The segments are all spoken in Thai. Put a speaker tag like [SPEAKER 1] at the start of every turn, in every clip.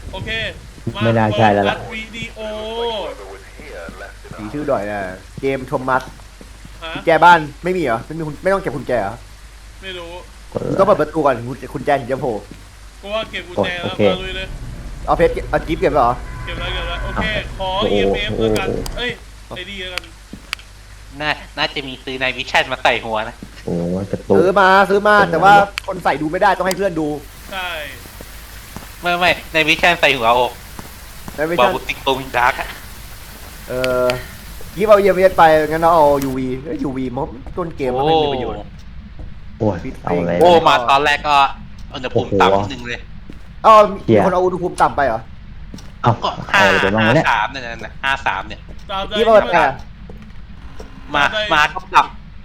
[SPEAKER 1] โอเคมา
[SPEAKER 2] ไม่น่าใช่แล้วล่ะ
[SPEAKER 1] เปิดวิดีโอ
[SPEAKER 3] สีชื่อหน่อยนะเกมโทมัส
[SPEAKER 1] ฮะ
[SPEAKER 3] กุญแจบ้านไม่มีเหรอไม่ต้องเก็บกุญแจเหรอ
[SPEAKER 1] ไม่รู้
[SPEAKER 2] กด
[SPEAKER 3] มึงต้องเปิดประตูก่อนกุญแจถึงจะโผล่
[SPEAKER 1] กูว่าเก็บกุญแจแล้ว
[SPEAKER 2] โอเค
[SPEAKER 1] มาลุยเลย
[SPEAKER 3] เอาเพชรเอาจิ๊บเก็บเหรอ
[SPEAKER 1] เก็บแล้วโอเคขอ
[SPEAKER 2] โอ้โห
[SPEAKER 1] EMF แล้วกัน
[SPEAKER 2] โอ้โห
[SPEAKER 1] เอ้ยไอ้ดีแล้วกัน
[SPEAKER 4] น่าจะมีซื้อในวิชั่นมาใส่หัวนะ
[SPEAKER 2] โอ้กระตุก
[SPEAKER 3] ซื้อมาแต่ว่าคนใส่ดูไม่ได้ต้องให้เพื่อนดู
[SPEAKER 1] ใช่
[SPEAKER 4] ไม่ในวิชั่นใส่หัวโอก
[SPEAKER 3] แล้วไม่
[SPEAKER 4] บอ
[SPEAKER 3] ใช่
[SPEAKER 4] กบุติงตรงดาร์กอะ
[SPEAKER 3] เออยิบเอาเยียมเไปงั้นเราเอา UV UV มันต้นเกมมันไม่มีประโยชน์
[SPEAKER 2] โอ้ยเอาอะไร
[SPEAKER 4] โอ้มาตอนแรกก็อุณหภูมิต่ำนิดนึงเลย
[SPEAKER 3] อ้าว
[SPEAKER 2] เหี้
[SPEAKER 3] มี
[SPEAKER 2] ย
[SPEAKER 3] คนเอาอุณหภูมิต่ำไปเหรอ
[SPEAKER 2] เอา
[SPEAKER 4] ก็
[SPEAKER 2] เอาอะไรไปบ้างวะเนี่ย
[SPEAKER 4] 53เนี่ยนะ53เนี่ย
[SPEAKER 1] ตามใจ
[SPEAKER 3] ยิบเอาไปอ่ะ
[SPEAKER 4] มาก็ปรับ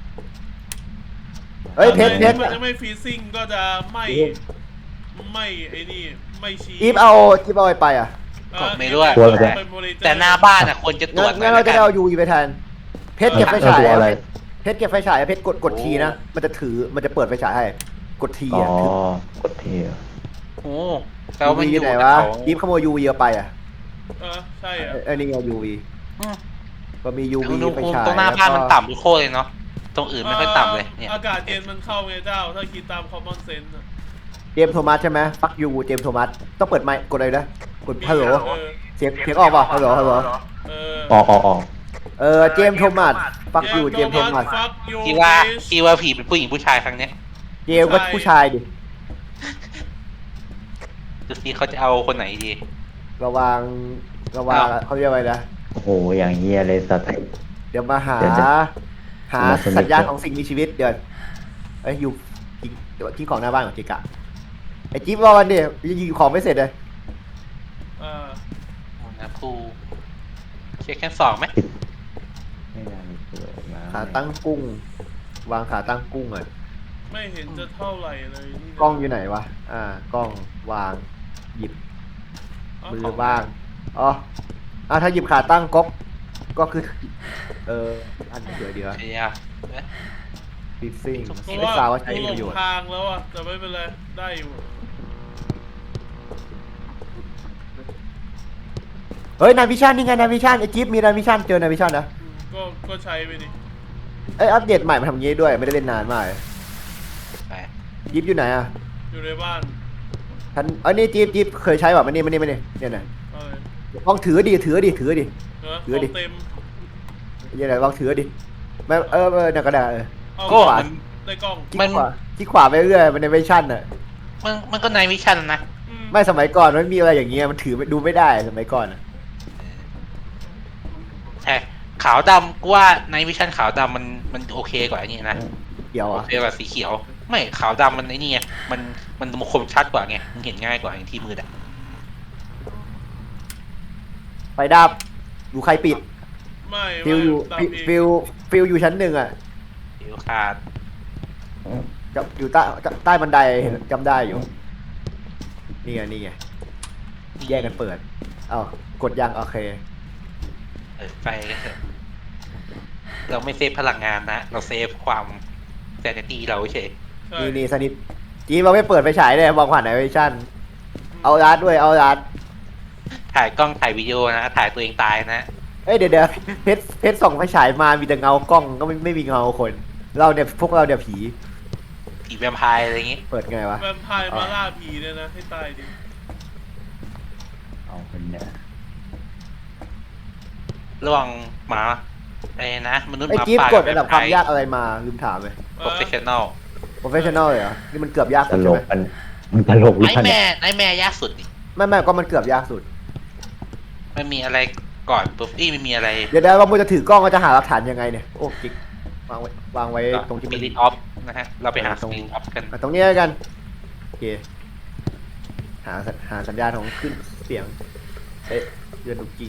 [SPEAKER 3] เฮ้ยเพชร
[SPEAKER 1] มันจะไม่ฟรีซิ่งก็จะไม่ไอ้นี่ไม่ชี้
[SPEAKER 3] ยิบเอาไปอ่ะ
[SPEAKER 4] ไม่รู้อะ
[SPEAKER 1] เก็บไปบริจค
[SPEAKER 4] แต่หน้าบ้านอะควรจะตรวจ
[SPEAKER 3] งั้นเราจะเอา UV ไปแทนเพชรเก็บไฟฉาย
[SPEAKER 2] ตัวอะไร
[SPEAKER 3] เพชรเก็บไฟฉายเพชรกดทีนะมันจะเปิดไฟฉายให้กดที
[SPEAKER 2] อ๋อ
[SPEAKER 3] อ่ะ
[SPEAKER 2] กดเทีย
[SPEAKER 4] โอ้แล้วมัน
[SPEAKER 3] UV
[SPEAKER 4] อยู่
[SPEAKER 3] ไหน
[SPEAKER 4] แต่
[SPEAKER 3] วะ
[SPEAKER 4] เขา
[SPEAKER 3] ยิบขโมย UV เอาไปอ่ะ
[SPEAKER 1] ใช่อ่ะ
[SPEAKER 3] ไอ้นี่ไง UV
[SPEAKER 4] อืม
[SPEAKER 3] ก็มี UV
[SPEAKER 4] อุณห
[SPEAKER 3] ไฟ
[SPEAKER 4] ภูมิ
[SPEAKER 3] ฉาย
[SPEAKER 4] ตรงหน้าบ้านมัน
[SPEAKER 3] แล้วก็
[SPEAKER 4] ต่ำทุกโคตรเลยเนาะตรงอื่นไม่ค่อยต่ำเลยเนี่ย
[SPEAKER 1] อากาศเย็นมันเข้าไงเจ้า ถ้าคิดตาม common sense อะ
[SPEAKER 3] เจมส์โทมัสใช่ไหมฟักยูเจมส์โทมัสต้องเปิดไมค์กดอะไรนะกดฮัลโหล
[SPEAKER 1] เออ
[SPEAKER 3] เสียงออกป่ะฮัลโหล
[SPEAKER 1] เออ
[SPEAKER 2] ออก
[SPEAKER 3] เจมส์โทมัสฟักยูเจมส์โทมัส
[SPEAKER 1] ฟักยู
[SPEAKER 4] ที่ว่าผีเป็นผู้หญิงผู้ชายครั้งเนี้ย
[SPEAKER 3] เจมส์ก็ผู้ชายดิ
[SPEAKER 4] ดูสิเขาจะเอาคนไหนดี
[SPEAKER 3] ระวังเขาเรียกว่าอะไรนะ
[SPEAKER 2] โอ้โหอย่างเงี้ยเลยสัตว์
[SPEAKER 3] เดี๋ยวมาหา
[SPEAKER 2] เดี๋ยวจะ
[SPEAKER 3] สัญญาณของสิ่งมีชีวิตเดี๋ยวอยู่ทิ้งของหน้าบ้านของจิกะไอ้จิ๊บรอวันเดียวยังยิงของไม่เสร็จเลย
[SPEAKER 4] นะครูเช็คแค่2ไหม
[SPEAKER 2] ไม่น่ามีตัวมา
[SPEAKER 3] ขาตั้งกุ้ง วางขาตั้งกุ้งอ่ะ
[SPEAKER 1] ไม่เห็นจะเท่าไหร่เลยนี่นะ
[SPEAKER 3] กล้องอยู่ไหนวะกล้องวางหยิบ มือบ้างอ๋อถ้าหยิบขาตั้งก็คือ อันเดี๋ยว
[SPEAKER 4] เดี๋ยว
[SPEAKER 3] ฟิซซิ่ง
[SPEAKER 1] เพราะ
[SPEAKER 3] ไม่
[SPEAKER 1] ว่า
[SPEAKER 3] ทราบว่าใช้
[SPEAKER 1] กูหล
[SPEAKER 3] ประโย
[SPEAKER 1] ง
[SPEAKER 3] ชน์
[SPEAKER 1] ทางแล้วอ่ะแต่ไม่เป็นไรได้อยู่
[SPEAKER 3] เฮ้ยนาวิชั่นนี่ไงนาวิชั่นไอจิ๊บมีนาวิชั่นเจอนาวิชั่นนะ
[SPEAKER 1] ก็ใช้ไปดิ
[SPEAKER 3] อัปเดตใหม่มาทำงี้ด้วยไม่ได้เล่นนานมากเลย
[SPEAKER 4] ไป
[SPEAKER 3] จิ๊บอยู่ไหนอ่ะ
[SPEAKER 1] อยู่ในบ้าน
[SPEAKER 3] ท่านนี่จิ๊บเคยใช้ป่ะมันนี่เนี่ยนะ
[SPEAKER 1] อะไร
[SPEAKER 3] ลองถือดิ
[SPEAKER 1] เนอะ
[SPEAKER 3] ถือดิ
[SPEAKER 1] ของเต็ม
[SPEAKER 3] ยังไงลองถือดิไม่เนี่ยก็ได้
[SPEAKER 1] เอา
[SPEAKER 4] ก็
[SPEAKER 1] ขวา
[SPEAKER 4] มัน
[SPEAKER 1] ได้กล้อง
[SPEAKER 3] ที่ขวาไปเรื่อยมันในวิชั่นอ่ะ
[SPEAKER 4] มันก็ในวิชั่นนะ
[SPEAKER 3] ไม่สมัยก่อนมันมีอะไรอย่างเงี้ยมันถือดูไม่ได้สมัยก่อนอะ
[SPEAKER 4] ใช่ขาวดำกูว่าในวิชั่นขาวดำมันโอเคกว่าอันนี้นะ
[SPEAKER 3] เกี่ยว
[SPEAKER 4] โอ
[SPEAKER 3] อ่ะ
[SPEAKER 4] เคกว่าสีเขียว ไม่ขาวดำมันไอ้นี่ไงมันคมชัดกว่าไงมันเห็นง่ายกว่าอย่างที่มืออะ
[SPEAKER 3] ไฟดับดูใครปิด
[SPEAKER 1] ไม่
[SPEAKER 3] ฟิลอยู่
[SPEAKER 1] ตามเอง
[SPEAKER 3] ฟิลอยู่ชั้น1อ่ะ
[SPEAKER 4] ผิวขาด
[SPEAKER 3] อยู่ใต้บันไดเห็นจำได้อยู่นี่ไงแยกกันเปิดกดยังโอเค
[SPEAKER 4] ไปกันเถอะเราไม่เซฟพลังงานนะ เราเซฟความแซนิตี้เราเฉย
[SPEAKER 1] ใช่
[SPEAKER 3] นี่สนิทจีเราไม่เปิดไฟฉายเลยมองผ่านไหนวิชั่นเอาอาร์ตด้วยเอาอาร์ต
[SPEAKER 4] ถ่ายกล้องถ่ายวิดีโอนะ ถ่ายตัวเองตายนะ
[SPEAKER 3] เดี๋ยวเพชรส่องไฟฉายมามีแต่เงากล้องก็ไม่มีเงาคนพวกเราผี
[SPEAKER 4] ผีแวมไพร์อะไรอย่างงี้
[SPEAKER 3] เปิดไงวะ
[SPEAKER 1] แวมไพร์มาล่าผีเนี่ยนะให้ตายดิ
[SPEAKER 2] เอาคนเนี่ย
[SPEAKER 4] ระหว่างหมาไอ้นะมนุษย์ห
[SPEAKER 3] ไอ้
[SPEAKER 4] มา
[SPEAKER 3] จี๊บ
[SPEAKER 4] ป่าก
[SPEAKER 3] ดระดับความยากอะไรมาลืมถามเลย
[SPEAKER 4] โปรเฟชชั่นอล
[SPEAKER 3] professional เลยเหรอนี่มันเกือบยาก
[SPEAKER 2] ต
[SPEAKER 3] สุด
[SPEAKER 2] ล
[SPEAKER 3] ใช่
[SPEAKER 2] ก
[SPEAKER 3] ไหม
[SPEAKER 2] มันตลกวิ
[SPEAKER 4] ไอ้
[SPEAKER 2] ชัน
[SPEAKER 4] แม่
[SPEAKER 2] เนี่ย
[SPEAKER 4] ไอ้แม่ยากสุดดิ
[SPEAKER 3] ไม่ก็มันเกือบยากสุด
[SPEAKER 4] มันมีอะไรก่อนปุ๊บไม่มีอะไร
[SPEAKER 3] เดี๋ยวว่ามึงจะถือกล้องก็จะหาหลักฐานยังไงเนี่ยโอ้จิ๊กวางไว้ตรงที่
[SPEAKER 4] ส
[SPEAKER 3] มั
[SPEAKER 4] ปิ
[SPEAKER 3] น
[SPEAKER 4] ริตออฟนะฮะ เราไปหา
[SPEAKER 3] ต
[SPEAKER 4] ส
[SPEAKER 3] รง
[SPEAKER 4] ปิริตออฟกัน
[SPEAKER 3] ตรงนี้แล้วกันโอเคหาสัญญาณของขึ้นเสียงเดือนดุกิ่ง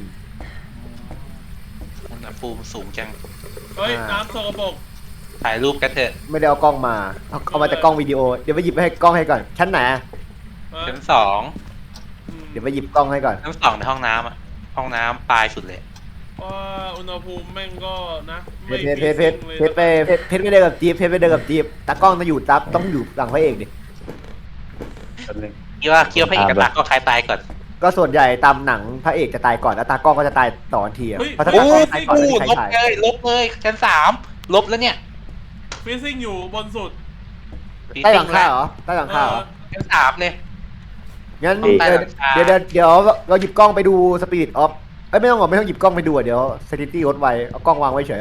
[SPEAKER 4] อุณหภูมิสูงจัง
[SPEAKER 1] เฮ้ยน้ำสกปรก
[SPEAKER 4] ถ่ายรูปกันเถอะ
[SPEAKER 3] ไม่ได้เอากล้องมาเอามาจากกล้องวิดีโอเดี๋ยวไปหยิบให้กล้องให้ก่อนชั้นไหน
[SPEAKER 4] ชั้นสอง
[SPEAKER 3] เดี๋ยวไปหยิบกล้องให้ก่อน
[SPEAKER 4] ชั้นสองในห้องน้ำอะห้องน้ำปลายสุดเลย
[SPEAKER 1] ว่าอุณหภูมิแม่งก็นะ
[SPEAKER 3] เพ
[SPEAKER 1] ไม่
[SPEAKER 3] ชรไม่เดินกับจี๊บเพชรไม่เดินกับจี๊บตากล้องต้องอยู่หลังพระเอกดิ
[SPEAKER 2] แป๊บนึง
[SPEAKER 4] คิดว่าพระเอกกับตาก็คล้ายตายก่อน
[SPEAKER 3] ก็ส่วนใหญ่ตามหนังพระเอกจะตายก่อนแล้วตากล้องก็จะตายต่อทันทีอะ
[SPEAKER 1] เฮ้ย
[SPEAKER 3] เพราะถ้า
[SPEAKER 4] โอ้
[SPEAKER 3] ตากล้องตายก่อน
[SPEAKER 4] กู
[SPEAKER 3] ไม่มีใคร
[SPEAKER 4] ลบ
[SPEAKER 3] ถ่าย
[SPEAKER 4] เลยลบเลยชั้น3ลบแล้วเนี่ย
[SPEAKER 1] ฟิซซิ่งอยู่บนสุด
[SPEAKER 3] ใต้หลังคาเหรอใต้หลังคาเหรอ
[SPEAKER 4] ชั้น3เลย
[SPEAKER 3] งั้น
[SPEAKER 4] ใต้หลังคา
[SPEAKER 3] เดี๋ยวเราหยิบกล้องไปดูสปิริตออฟเอ้ยไม่ต้องหรอกไม่ต้องหยิบกล้องไปดูอะเดี๋ยวเซนิตี้ลดไว้เอากล้องวางไว้เฉย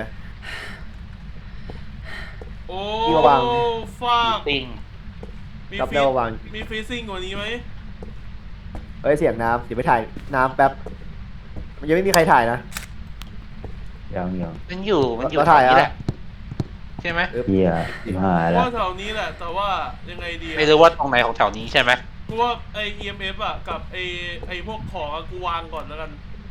[SPEAKER 1] โอ้
[SPEAKER 3] ที่วาง
[SPEAKER 1] ฟาก
[SPEAKER 4] ติง
[SPEAKER 1] มี
[SPEAKER 3] รับ
[SPEAKER 1] ฟิ
[SPEAKER 3] แล้ววาง
[SPEAKER 1] มีฟิซซิ่งกว่านี้ไหม
[SPEAKER 3] เอ้ยเสียงน้ำเดี๋ยวไปถ่ายน้ำแป๊บมันยังไม่มีใครถ่ายนะ
[SPEAKER 2] ยัง
[SPEAKER 4] มันอยู่
[SPEAKER 3] เราถ่าย
[SPEAKER 4] แถวนี้
[SPEAKER 3] อะ
[SPEAKER 4] แหละใช่ไหม
[SPEAKER 2] เฮียหายแล้ว
[SPEAKER 1] ว่าแถวนี้แหละ แต่ว่ายังไงดีอะ
[SPEAKER 4] ไม่รู้ว่าตรงไหนของแถวนี้ใช่ไหม
[SPEAKER 1] กูว่าไอ EMF อ่ะกับไอพวกของอะกูวางก่อนแล้วกัน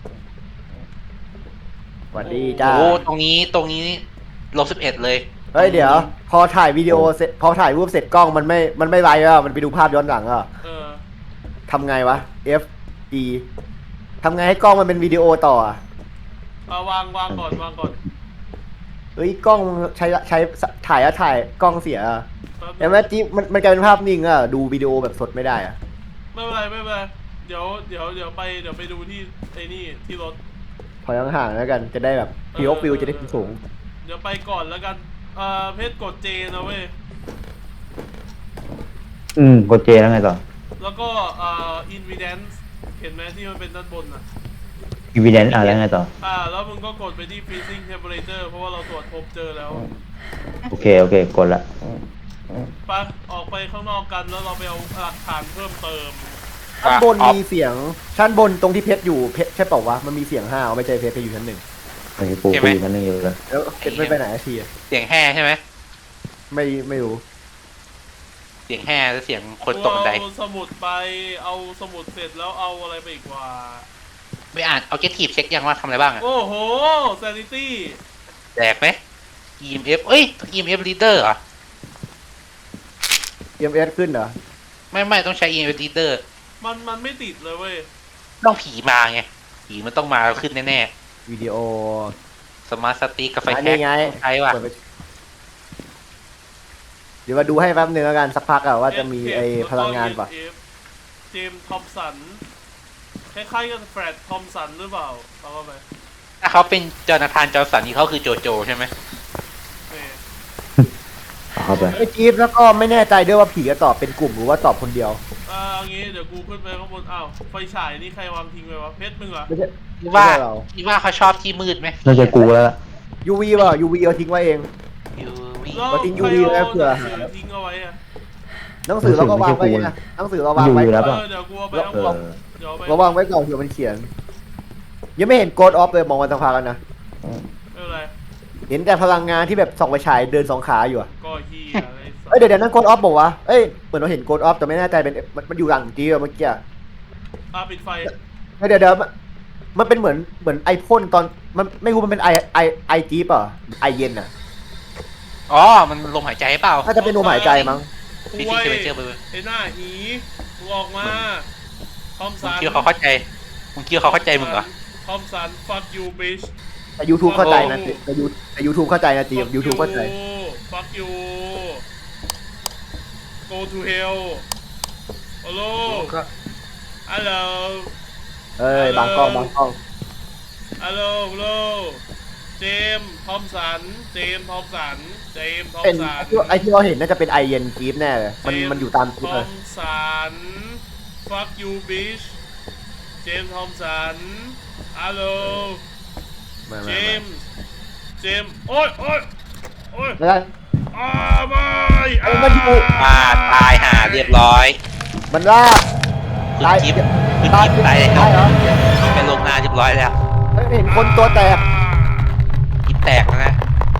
[SPEAKER 3] สวัสดีจ้า
[SPEAKER 4] โอ้ตรงนี้-11เลย
[SPEAKER 3] เฮ้ยเดี๋ยว พอถ่ายวิดีโอเสร็จพอถ่ายรูปเสร็จกล้องมันไม่ไลฟ์อ่ะมันไปดูภาพย้อนหลังอ่ะ
[SPEAKER 1] เออ
[SPEAKER 3] ทำไงวะ F E ทำไงให้กล้องมันเป็นวิดีโอต่ออะ
[SPEAKER 1] เอาวางก่อน
[SPEAKER 3] เฮ้ยกล้องใช้ถ่ายแล้วถ่ายกล้องเสียอะ
[SPEAKER 1] แป๊บนึ
[SPEAKER 3] เห็น
[SPEAKER 1] ง
[SPEAKER 3] ไหมจิ๊บมันกลายเป็นภาพนิ่งอ่ะดูวิดีโอแบบสดไม่ได้อ่ะ
[SPEAKER 1] ไม่เป็นไรเดี๋ยวไปดูที่ไอ้นี่ที่รถ
[SPEAKER 3] ถอยห่างๆแล้วกันจะได้แบบพีโอฟิลจะได้สูง
[SPEAKER 1] เดี๋ยวไปก่อนแล้วกันเพชรกดเจนะเว้ย
[SPEAKER 2] กดเจแล้วไงต่อ
[SPEAKER 1] แล้วก็evidence เห็นไหมที่มันเป็นด้านบนอ่ะ
[SPEAKER 2] evidence แล้วไงต่อ
[SPEAKER 1] แล้วมึงก็กดไปที่ freezing temperature เพราะว่าเราตรวจพบเจอแล้ว
[SPEAKER 2] โอเคกดละ
[SPEAKER 1] ไปออกไปข้างนอกกันแล้วเราไปเอาหลักฐานเพิ่มเติม
[SPEAKER 3] ชั้นบนมีเสียงชั้นบนตรงที่เพชรอยู่เพชรใช่เปล่าวะมันมีเสียงห้าวไม่ใช่เพชรอยู่ชั้นหนึ่ง
[SPEAKER 2] ไอ้ปูอยู่นั่นนึงอยู่เลย
[SPEAKER 3] แล้วเพชรไม่ไปไหนสักทีอะ
[SPEAKER 4] เสียงแห่ใช่ไหม
[SPEAKER 3] ไม่รู้
[SPEAKER 4] เสียงแห่และเสียงคนตกบันได
[SPEAKER 1] เอาสมุดไปเอาสมุดเสร็จแล้วเอาอะไรไปอีกว่า
[SPEAKER 4] ไม่อ่านเอาเกทีฟเช็คยังว่าทำอะไรบ้างอะ
[SPEAKER 1] โอ้โห sanity
[SPEAKER 4] แตกไหม EMF เอ้ย EMF reader เหรอ
[SPEAKER 3] EMS ขึ้นเหรอ
[SPEAKER 4] ไม่ต้องใช้ EMF reader
[SPEAKER 1] มันไม่ติดเลยเว้ย
[SPEAKER 4] ต้องผีมาไงผีมันต้องมาขึ้นแน่
[SPEAKER 3] วิดีโอ
[SPEAKER 4] ๆสมาร์ทสติ๊กกับไฟ
[SPEAKER 3] อัน
[SPEAKER 4] แช็
[SPEAKER 3] นี้
[SPEAKER 4] ก
[SPEAKER 3] ไง
[SPEAKER 4] ใช้ว่ะ
[SPEAKER 3] เปิดไปเดี๋ยวมาดูให้แป๊บนึงแล้วกันสักพักอะว่าจะมีไอ้พลังงานปะ
[SPEAKER 1] เจมส์ทอมสันคล้ายๆกับแฟรดทอมสันหรือเปล่าเอาเข้าไป
[SPEAKER 4] ถ้าเขาเป็นจอนาธานจอร์สันนี่เขาคือโจโจใช่ไหม
[SPEAKER 1] เออ
[SPEAKER 2] เอาเข้าไป
[SPEAKER 3] ไอ้จี๊บแล้วก็ไม่แน่ใจด้วยว่าผีจะตอบเป็นกลุ่มหรือว่าตอบคนเดียว
[SPEAKER 1] เอางี้เดี๋ยวกูขึ้นไปข้างบนอ้าวไฟฉายนี่ใครวางทิ้งไว้วะเพชรมึงเหรอ
[SPEAKER 3] ไม่ใช่
[SPEAKER 4] คิดว่า
[SPEAKER 3] ไม่ใช่เรา
[SPEAKER 4] คิดว่าเขาชอบที่มืดไหม
[SPEAKER 2] น่าจะกูแล้วล่ะ
[SPEAKER 3] UV ป่ะ UV เอาทิ้งไว้เอง
[SPEAKER 4] ยูวี
[SPEAKER 1] แล้ว
[SPEAKER 3] มาทิ้ง
[SPEAKER 1] ใคร
[SPEAKER 3] UV ไว้
[SPEAKER 1] เอา
[SPEAKER 3] เผื่อ
[SPEAKER 1] หนังสือทิ้งเอาไว้อะ
[SPEAKER 3] หนังสือเราก็วางไว้นะหนังสือเราวางไว้
[SPEAKER 2] อยู่แล้วป่ะ
[SPEAKER 1] เดี๋ยวกูเอาไปข้าง
[SPEAKER 2] เอบ
[SPEAKER 1] น
[SPEAKER 2] อ
[SPEAKER 1] เดี๋ยวเอาไป
[SPEAKER 3] เราวางไว้ก่อนเผื่อมันเขียน ยังไม่เห็นโกดออฟเลยมองวันสักพักกันนะ
[SPEAKER 1] ไม่เป็นไร
[SPEAKER 3] เห็นแต่พลังงานที่แบบส่องไปฉายเดินสองขาอยู่อะ
[SPEAKER 1] ก็เฮียอะไรสัก
[SPEAKER 3] เอ้ยเดี๋ยวนั่นโกดออฟบอกว่าเอ้ยเหมือนเราเห็นโกดออฟแต่ไม่แน่ใจเป็นมันอยู่หลังจีเมื่อกี้อะ
[SPEAKER 1] ปิดไฟ
[SPEAKER 3] เดี๋ยวมันเป็นเหมือนไอพ่นตอนมันไม่รู้มันเป็นไอจีป่ะไอเย็นอะ
[SPEAKER 4] อ๋อมันลมหายใจเปล่า
[SPEAKER 3] น่าจะเป็นลมหายใจมั้ง
[SPEAKER 4] พี่
[SPEAKER 1] โอ้
[SPEAKER 4] ที่
[SPEAKER 1] ย
[SPEAKER 4] เคยเจอไปเลย
[SPEAKER 1] ไอ้หน้าหีมึงออกมาทอม
[SPEAKER 4] มึ
[SPEAKER 1] สั
[SPEAKER 4] ง
[SPEAKER 1] น
[SPEAKER 4] คิดว่าเขาเข้าใจมึงคิดว่าเขาเข้าใจมึงเหรอ
[SPEAKER 1] ทอมสัน fuck you bitch
[SPEAKER 3] แต่ YouTube เข้าใจนะแต่ YouTube เข้าใจนะจี
[SPEAKER 1] Fuck
[SPEAKER 3] YouTube เข้าใจ
[SPEAKER 1] fuck you go to hell hello
[SPEAKER 4] ก็
[SPEAKER 1] hello
[SPEAKER 3] เอ้ยบางกล้อง
[SPEAKER 1] hello hello เจมส์ทอมสันเจมส์ทอมสัน
[SPEAKER 3] เป็นไอที่เราเห็นน่าจะเป็นไอเย็นจีฟแน่เลยมันอยู่ตาม
[SPEAKER 1] ท
[SPEAKER 3] จีฟ
[SPEAKER 1] อ
[SPEAKER 3] เลย
[SPEAKER 1] มสัน fuck you bitch เจมส์ทอมสัน hello เจมส์โอ้ย
[SPEAKER 3] แล้ว
[SPEAKER 1] ไม่
[SPEAKER 3] มันอยู่
[SPEAKER 4] มาตายห่าเรียบร้อย
[SPEAKER 3] มันล่า
[SPEAKER 4] คุณจิ๊บคุณจิ๊บตายแล้ว
[SPEAKER 3] เหรอ
[SPEAKER 4] เป็นลงนาเรียบร้อยแล้ว
[SPEAKER 3] เห็นคนตัวแตก
[SPEAKER 4] กินแตกแล้วนะ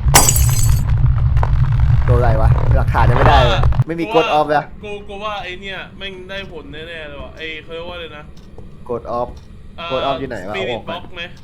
[SPEAKER 3] ตัวอะไรวะหลักฐานยังไม่ได้เลยไม่มีกดออฟเลย
[SPEAKER 1] กูว่าไอเนี่ยแม่งได้ผลแน่ๆเลยว่ะไอเขาเรียกว่าเลยนะ
[SPEAKER 3] กดออฟกดออฟอยู่ไหนวะ
[SPEAKER 1] สปิริ
[SPEAKER 3] อ
[SPEAKER 1] ต
[SPEAKER 3] อก
[SPEAKER 1] บ
[SPEAKER 3] มา
[SPEAKER 1] ล็อกไหม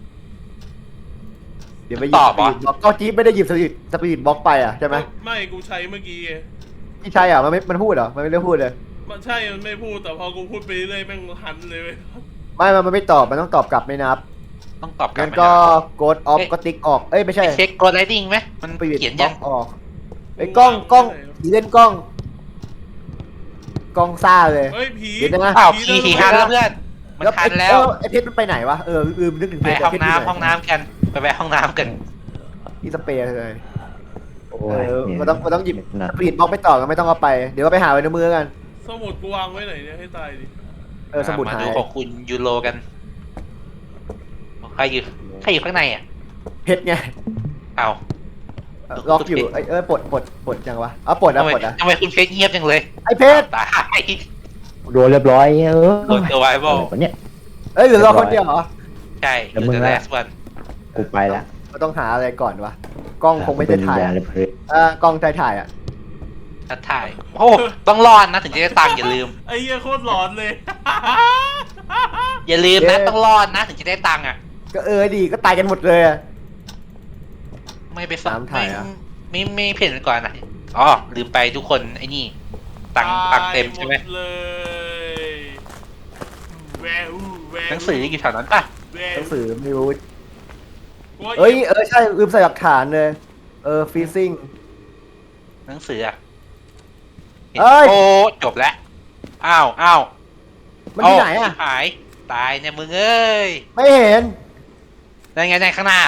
[SPEAKER 3] เดี๋ยวไปหยิบสปีดบล็อกก็จี๊บไม่ได้หยิบสปีดบล็อกไปอ่ะใช่ไหม
[SPEAKER 1] ไม่กูใช้เมื่อกี้ไง
[SPEAKER 3] ที่ใช่อ่ะมันพูดเหรอมันไม่ได้พูดเลย
[SPEAKER 1] มันใช่มันไม่พูดแต่พอกูพูดไปเรื่อยแม่งหันเลยเว้ย
[SPEAKER 3] มันไม่ตอบมันต้องตอบกลับไม่นับ
[SPEAKER 4] ต้องตอบกลับ
[SPEAKER 3] งั้น
[SPEAKER 4] ไหม
[SPEAKER 3] ก็
[SPEAKER 4] นะ
[SPEAKER 3] กดออฟก็ติ๊กออกเอ้ยไม่ใช่
[SPEAKER 4] ไปเช็คกดไลดิ้งไหมมัน
[SPEAKER 3] สปีด
[SPEAKER 4] เขียน
[SPEAKER 3] บล็
[SPEAKER 4] ยั
[SPEAKER 3] อง กออกไอ้กล้องผีเล่นกล้องซ่าเลย
[SPEAKER 1] เฮ้ยผี
[SPEAKER 3] เดี๋ยวนะ
[SPEAKER 4] อ้าวผีหันแล้วเพื่อน
[SPEAKER 1] ผ
[SPEAKER 4] มันทันแล้ว
[SPEAKER 3] ไอ้เพชรมันไปไหนวะลืมนึกถึง
[SPEAKER 4] ไป
[SPEAKER 3] เพชร
[SPEAKER 4] ห้อง
[SPEAKER 3] เพชรยู่
[SPEAKER 4] น้ำ
[SPEAKER 3] ไ
[SPEAKER 4] ห้องน้ำกันไปแวะห้องน้ำกัน
[SPEAKER 3] ที่สเปรย์เลย
[SPEAKER 2] โอ้ยเนี่ย
[SPEAKER 3] มันต้องหยิบ
[SPEAKER 2] หนัก
[SPEAKER 3] สปีดบล็อกไปต่อกันไม่ต้องเอาไปเดี๋ยวก็ไปหาไว้ในมือกัน
[SPEAKER 1] สมุดกูวางไว้ไหนเนี่ยให้ตายดิ
[SPEAKER 3] สมุด
[SPEAKER 4] มา
[SPEAKER 3] หา
[SPEAKER 4] ดู
[SPEAKER 3] ย
[SPEAKER 4] ของคุณยูโรกันใครอยู่ข้างในอ่ะ
[SPEAKER 3] เพชรไง
[SPEAKER 4] เอา
[SPEAKER 3] ล็อกอยู่ปลดยังวะปลด
[SPEAKER 4] ทำไม
[SPEAKER 3] ปลดอ่ะ
[SPEAKER 4] ทำไมคุณเพชรเงียบจังเลย
[SPEAKER 3] ไอ้เพชร
[SPEAKER 4] ตาย
[SPEAKER 2] โดนเรียบร้อย
[SPEAKER 4] โดนตัวไวบอล
[SPEAKER 2] อะไรวะเนี่ย
[SPEAKER 3] เหลือเราคนเดียวเหรอ
[SPEAKER 4] ใช่
[SPEAKER 2] แล้ว
[SPEAKER 4] ดู
[SPEAKER 2] มึง
[SPEAKER 4] แต่
[SPEAKER 2] ล่ะ
[SPEAKER 4] แรกวัน
[SPEAKER 2] กูไปละ
[SPEAKER 3] เราต้องหาอะไรก่อนวะกล้องคงไม่ได้ถ่าย
[SPEAKER 2] เป็น
[SPEAKER 3] อะ
[SPEAKER 2] เลยเพล
[SPEAKER 3] กล้องถ่ายอ่ะ
[SPEAKER 4] นัดถ่ายโอ้ต้องรอดนะถึงจะได้ตังค์อย่าลืม
[SPEAKER 1] ไอ้เหี้ยโคตรหลอนเลย
[SPEAKER 4] อย่าลืมนะต้องรอดนะถึงจะได้ตังค์อ่ะ
[SPEAKER 3] ก็ดีก็ตายกันหมดเลยอะ
[SPEAKER 4] ไม่ไป
[SPEAKER 3] ตามถ่ายอะ
[SPEAKER 4] ไม่เพ่นก่อนนะอ๋อลืมไปทุกคนไอ้นี่ตังค์เต็มใช่ไหม
[SPEAKER 1] ตายดเลยแววแวว
[SPEAKER 4] หนังสืออยู่แถวนั้นป่ะ
[SPEAKER 1] แว
[SPEAKER 3] ห
[SPEAKER 1] ว
[SPEAKER 3] นังสือไม่รู้
[SPEAKER 1] กูว่า
[SPEAKER 3] ใช่ลืมใส่หลักฐานเลยฟีซิ่ง
[SPEAKER 4] หนังสืออ่ะ
[SPEAKER 3] เอ้ย
[SPEAKER 4] โอ้จบแล้วอ้าว
[SPEAKER 3] มันที่ไหนอ่ะ
[SPEAKER 4] หายตายเนี่ยมึงเอ้ย
[SPEAKER 3] ไม่เห็น
[SPEAKER 4] นั่นไงในข้างหน้า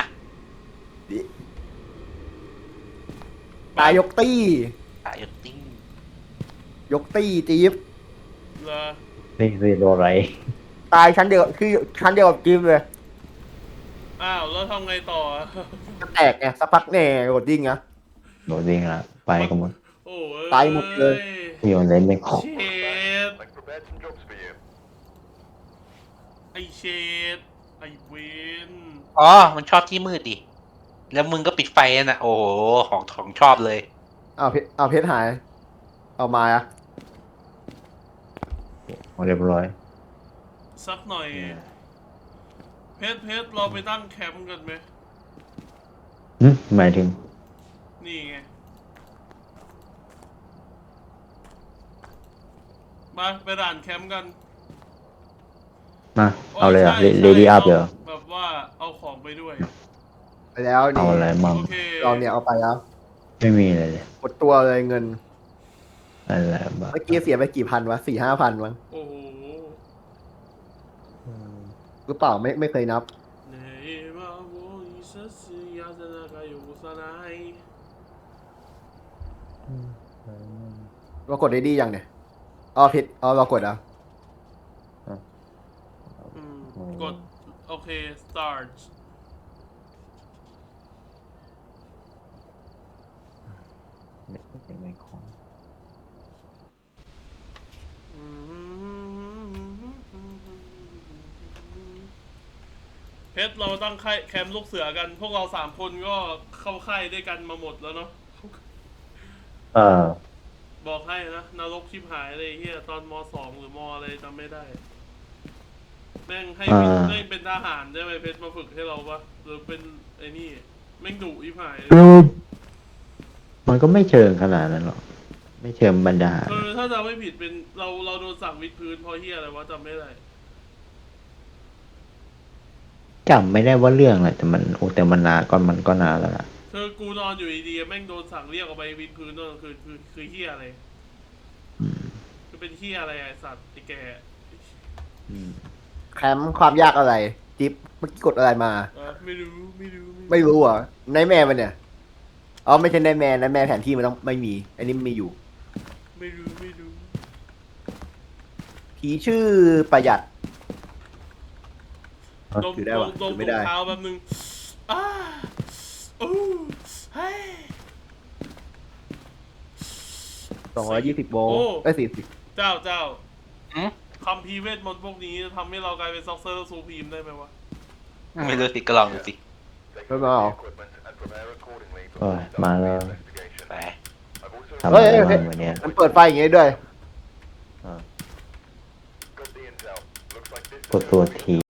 [SPEAKER 3] ตายยกตี้
[SPEAKER 4] ตายอยู่ติ้ง
[SPEAKER 3] ยกตี้จี๊บ
[SPEAKER 1] เหรอ
[SPEAKER 2] นี่โดนอะไร
[SPEAKER 3] ตายชั้นเดียวคือชั้นเดียวกับจี๊บเลย
[SPEAKER 1] อ้าวแล้วทำไงต่ออะ
[SPEAKER 3] จะแตกไงสักพักแน่กดดิ้งนะ
[SPEAKER 2] โดนวิ่งละไปกันหมด
[SPEAKER 1] โอ้ย
[SPEAKER 3] ตายหมดเลย
[SPEAKER 2] โยนเล่นไม่ขอ
[SPEAKER 1] เชดไอเชดไอเวน
[SPEAKER 4] อ๋อมันชอบที่มืดดิแล้วมึงก็ปิดไฟน่ะโอ้โหของชอบเลย
[SPEAKER 3] เพชรหาย เอามาอะ
[SPEAKER 2] เรียบร้อย
[SPEAKER 1] สักหน่อย เพชรเราไปตั้งแคมป์กันไหม
[SPEAKER 2] หมายถึง
[SPEAKER 1] นี่ไงมาไปด่านแคมป์กัน
[SPEAKER 2] มาเอาเลยอ่ะเลดี้อัพเดี๋ยว
[SPEAKER 1] แบบว่าเอาของไปด้วย
[SPEAKER 3] ไปแล้วนี่
[SPEAKER 2] เอาอะไรมั่ง
[SPEAKER 1] โอเค
[SPEAKER 3] เราเนี่ยเอาไปแล้ว
[SPEAKER 2] ไม่มีเลยเลย
[SPEAKER 3] หมดตัวเลยเงิน
[SPEAKER 2] อะไรบ้าง
[SPEAKER 3] เมื่อกี้เสียไปกี่พันวะ4-5 พันมั้ง
[SPEAKER 1] โอ้โห
[SPEAKER 3] หรือเปล่าไม่เคยนับ
[SPEAKER 1] ねばをいさすやざながよさない
[SPEAKER 3] เรากดได้ดียังเนี่ยผิดเรากดอ่ะ
[SPEAKER 1] กดโอเค start
[SPEAKER 2] ไม่ขอ
[SPEAKER 1] เพชรเราตั้งค่ายแคมป์ลูกเสือกัน พวกเรา3 คนก็เข้าค่ายด้วยกันมาหมดแล้วเนาะ บอกให้นะนรกชิบหายเลยเฮียตอนม.2 หรือม.อะไรจำไม่ได้ แม่งให้เป็นทหารใช่ไหมเพชรมาฝึกให้เราปะหรือเป็นไอ้นี่แม่งดุชิบหายเลย
[SPEAKER 2] มันก็ไม่เชิงขนาดนั้นหรอกไม่เชิงบรรดา
[SPEAKER 1] ถ้าจำไม่ผิดเป็นเราโดนสั่งวิดพื้นเพราะเฮียอะไรวะจำไม่ได้
[SPEAKER 2] จำไม่ได้ว่าเรื่องอะไรแต่มันนานก่อนมันก็นานแล้วล่ะ
[SPEAKER 1] กูนอนอยู่ดีๆแม่งโดนสั่งเรียกออกไปวิดพื้นตอนกลางคืนคือเฮียอะไรคือเป็นเฮียอะไรไอ้สัตว์ไอ้แก
[SPEAKER 3] แคมป์ความยากอะไร จิ๊บเมื่อกี้กดอะไรมา
[SPEAKER 1] ไม่รู้
[SPEAKER 3] ไม่รู้อ่ะในแม่มันเนี่ยไม่ใช่ในแม่แผนที่มันต้องไม่มีอันนี้มีอยู่
[SPEAKER 1] ไม่รู้
[SPEAKER 3] ผีชื่อประหยัด
[SPEAKER 1] ดม
[SPEAKER 3] ถือได้วะ
[SPEAKER 1] ดม
[SPEAKER 3] ถือไม่ได้
[SPEAKER 1] เท้าแป๊บนึงโอ้เฮ้ย
[SPEAKER 3] 220 โวลต์40
[SPEAKER 1] เจ้า
[SPEAKER 4] หืม
[SPEAKER 1] คำพีร์เวทมนต์พวกนี้ทำให้เรากลายเป็นซ็อกเซอร์ซูพรีมได้ไหมวะ
[SPEAKER 4] ไม่รู้สิก็ลองดูสิ
[SPEAKER 3] ไม่มาเอา
[SPEAKER 2] โอ้ยมาแล้ว
[SPEAKER 4] ไป
[SPEAKER 2] ทำอะไรบ้างวันเนี้ย
[SPEAKER 3] มันเปิดไฟอย่างงี้ด้วย
[SPEAKER 2] กดตัวที